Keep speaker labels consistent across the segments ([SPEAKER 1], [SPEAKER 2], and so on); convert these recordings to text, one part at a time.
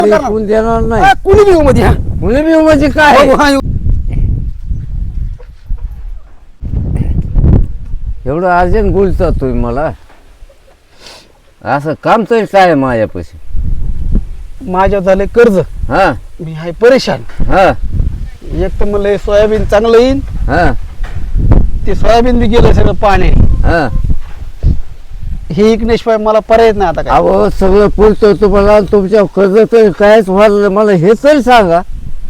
[SPEAKER 1] कोण देणार नाही.
[SPEAKER 2] कुणी बी मध्ये हा
[SPEAKER 1] मुली बी म्हणजे काय एवढं अर्जंट बोलता तुम्ही मला? असं काम तरी काय आहे माझ्यापाशी?
[SPEAKER 2] माझ्या झाले कर्ज,
[SPEAKER 1] हा
[SPEAKER 2] मी आहे परेशान.
[SPEAKER 1] हा
[SPEAKER 2] एक तर मला सोयाबीन चांगलं येईन,
[SPEAKER 1] हा
[SPEAKER 2] ते सोयाबीन बी गेलं सगळं पाण्याने.
[SPEAKER 1] हा
[SPEAKER 2] हे इकण्याशिवाय मला पर्याय नाही आता काय.
[SPEAKER 1] अहो सगळं बोलतो तुम्हाला, तुमच्या कर्ज तरी कायच व्हायला मला हे तरी सांगा.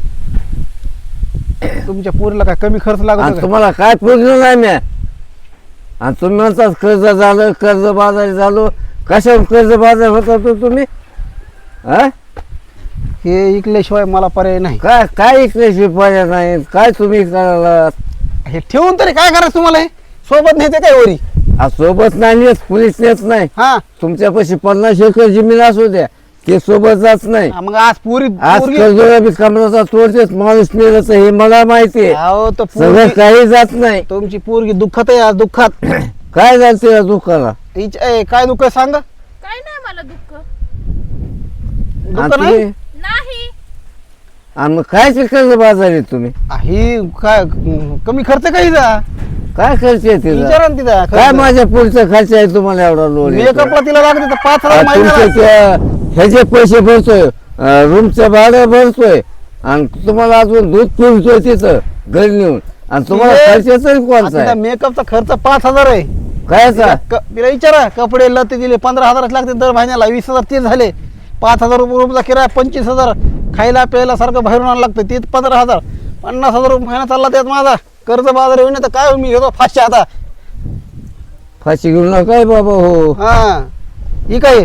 [SPEAKER 2] तुमच्या पोरीला काय कमी खर्च लागतो
[SPEAKER 1] आणि
[SPEAKER 2] का?
[SPEAKER 1] तुम्हाला काय पूर्ण नाही म्या, आणि तुम्ही म्हणतात कर्ज झालं, कर्ज बाजारी झालो. कशावर कर्ज बाजार होता तो तुम्ही? हा
[SPEAKER 2] हे इकल्याशिवाय मला पर्याय नाही.
[SPEAKER 1] काय काय इकडे पर्याय नाही? काय तुम्ही करायला?
[SPEAKER 2] हे ठेवून तरी काय करायचं तुम्हाला? हे सोबत नेते काय वरी?
[SPEAKER 1] सोबत नाही नेत, पोलीस नेत नाही.
[SPEAKER 2] हा
[SPEAKER 1] तुमच्यापाशी 50 एकर जमीन असू द्या, ते सोबत जात नाही.
[SPEAKER 2] मग आज पोरी
[SPEAKER 1] आज कर्जला बी कमराचा तोडतेच माणूस नेलच, हे मला माहिती आहे.
[SPEAKER 2] अहो तर
[SPEAKER 1] सगळं
[SPEAKER 2] पोरगी,
[SPEAKER 1] काही जात नाही.
[SPEAKER 2] तुमची पोरगी दुःखात आहे आज, दुःखात.
[SPEAKER 1] काय झालं या दुःखाला?
[SPEAKER 2] काय दुःख आहे सांगा?
[SPEAKER 3] काय नाही मला दुःख
[SPEAKER 1] आणि
[SPEAKER 2] दुःख नाही.
[SPEAKER 1] तुम्ही-
[SPEAKER 3] नाही.
[SPEAKER 1] आणि मग काय कर्ज बाजारी तुम्ही?
[SPEAKER 2] ही काय कमी खर्च काही जा
[SPEAKER 1] काय खर्च आहे तिचा?
[SPEAKER 2] विचारा ना तिचा
[SPEAKER 1] काय
[SPEAKER 2] खर्च.
[SPEAKER 1] माझ्या पुढचा खर्च आहे तुम्हाला एवढा लोन?
[SPEAKER 2] मेकअपला तिला लागते तर 5,000
[SPEAKER 1] तुमचे
[SPEAKER 2] महिन्याला.
[SPEAKER 1] ह्याचे पैसे भरतोय, रूमचं भाडं भरतोय, आणि तुम्हाला अजून दूध पिळतोय तिथं घरी नेऊन, आणि तुम्हाला खर्च तरी कोणता
[SPEAKER 2] तिचा
[SPEAKER 1] आहे?
[SPEAKER 2] मेकअपचा खर्च 5,000 आहे.
[SPEAKER 1] कायचा?
[SPEAKER 2] तिला विचारा, कपडे लते दिले 15,000 लागते दर महिन्याला, 20,000 ते झाले. 5,000 रुपये रूमचा किराया, 25,000 खायला प्यायला सारखं बाहेरून आणायला लागतं, ते 15,000. 50,000 रुपये महिना चालला त्यात माझा. कर्ज बाजार होईन तर काय मी घेतो फाशी आता.
[SPEAKER 1] फाशी घेऊ नका बाबा. हो
[SPEAKER 2] हा ही काय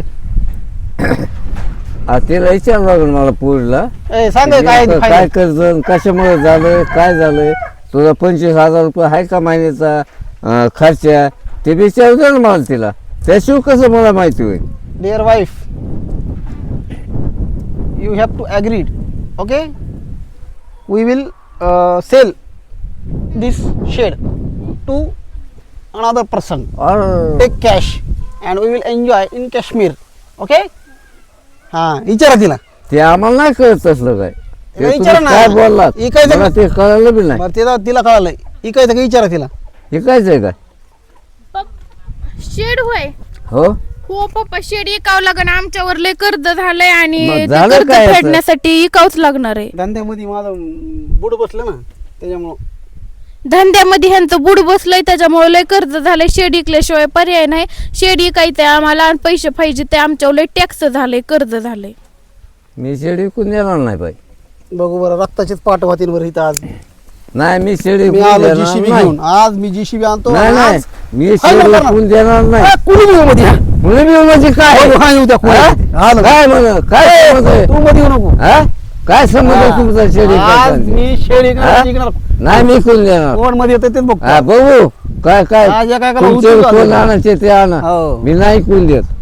[SPEAKER 1] तिला विचार लागेल मला पुढला
[SPEAKER 2] सांग काय
[SPEAKER 1] काय
[SPEAKER 2] फायदा?
[SPEAKER 1] कर्ज कशामुळे झालं, काय झालंय, तुझा 25,000 रुपये आहे का महिन्याचा खर्च? ते विचारू दे ना मला तिला, त्याशिवाय कसं मला माहिती होईल?
[SPEAKER 2] Dear wife, you have to agree, okay? We will sell this shed to another person. Take cash and we will enjoy in Kashmir, okay? हा विचारा तिला.
[SPEAKER 1] ते आम्हाला नाही कळत तसलं काय. ते
[SPEAKER 2] विचारा
[SPEAKER 1] तुम्ही
[SPEAKER 2] ना.
[SPEAKER 1] काय बोललात
[SPEAKER 2] इकायचं
[SPEAKER 1] मला ते कळलं बी नाही.
[SPEAKER 2] बरं तिला कळालंय. इकायचं का विचारा तिला.
[SPEAKER 1] ऐकायचंय काय?
[SPEAKER 3] शेड होय.
[SPEAKER 1] हो
[SPEAKER 3] हो पप्पा, शेड इकावं लागण, आमच्यावर लय कर्ज झालंय आणि
[SPEAKER 1] मग
[SPEAKER 3] ते
[SPEAKER 1] झालं
[SPEAKER 3] कर्ज
[SPEAKER 1] काय असं?
[SPEAKER 3] फेडण्यासाठी इकावच लागणार आहे.
[SPEAKER 2] धंद्यामध्ये माझं बुड बसलं ना, त्याच्यामुळं.
[SPEAKER 3] धंद्यामध्ये ह्यांचं बुड बसलंय, त्याच्यामुळे लय कर्ज झालंय. शेड इकल्याशिवाय पर्याय नाही. शेड इकायचंय आम्हाला आणि पैसे पाहिजे, ते आमच्यावर लय टॅक्स झालंय, कर्ज झालंय.
[SPEAKER 1] मी शेड विकून देणार नाही बाई.
[SPEAKER 2] बघू बरं, रक्ताचेच पाठ होतील बरं इथं आज.
[SPEAKER 1] नाही मी शेड
[SPEAKER 2] मी
[SPEAKER 1] विकून
[SPEAKER 2] आलो
[SPEAKER 1] देणार
[SPEAKER 2] जीसीबी
[SPEAKER 1] नाही.
[SPEAKER 2] घेऊन. आज मी जीसीबी आणतो.
[SPEAKER 1] नाही नाही
[SPEAKER 2] आज
[SPEAKER 1] मी
[SPEAKER 2] हाय
[SPEAKER 1] शेड
[SPEAKER 2] ना,
[SPEAKER 1] विकून देणार नाही.
[SPEAKER 2] कुणी बी मध्ये हा.
[SPEAKER 1] मुली बी म्हणजे काय?
[SPEAKER 2] हो, हा, येऊ द्या, कोणी
[SPEAKER 1] हा?
[SPEAKER 2] येऊ द्या. आलो.
[SPEAKER 1] काय म्हण काय संबंध आहे?
[SPEAKER 2] तू मध्ये येऊ नको.
[SPEAKER 1] हा? काय संबंध आहे
[SPEAKER 2] हा.
[SPEAKER 1] तुमचा शेड
[SPEAKER 2] आज
[SPEAKER 1] विकायचा?
[SPEAKER 2] मी शेड
[SPEAKER 1] हा?
[SPEAKER 2] इकणार.
[SPEAKER 1] नाही मी विकून देणार.
[SPEAKER 2] कोण मध्ये येतं तेच बघ.
[SPEAKER 1] हा बघू काय काय
[SPEAKER 2] आज एका एकाला
[SPEAKER 1] तुमचे
[SPEAKER 2] उचलून
[SPEAKER 1] कोण
[SPEAKER 2] जातो.
[SPEAKER 1] आणायचे ते आणा.
[SPEAKER 2] हो.
[SPEAKER 1] मी नाही विकून देत.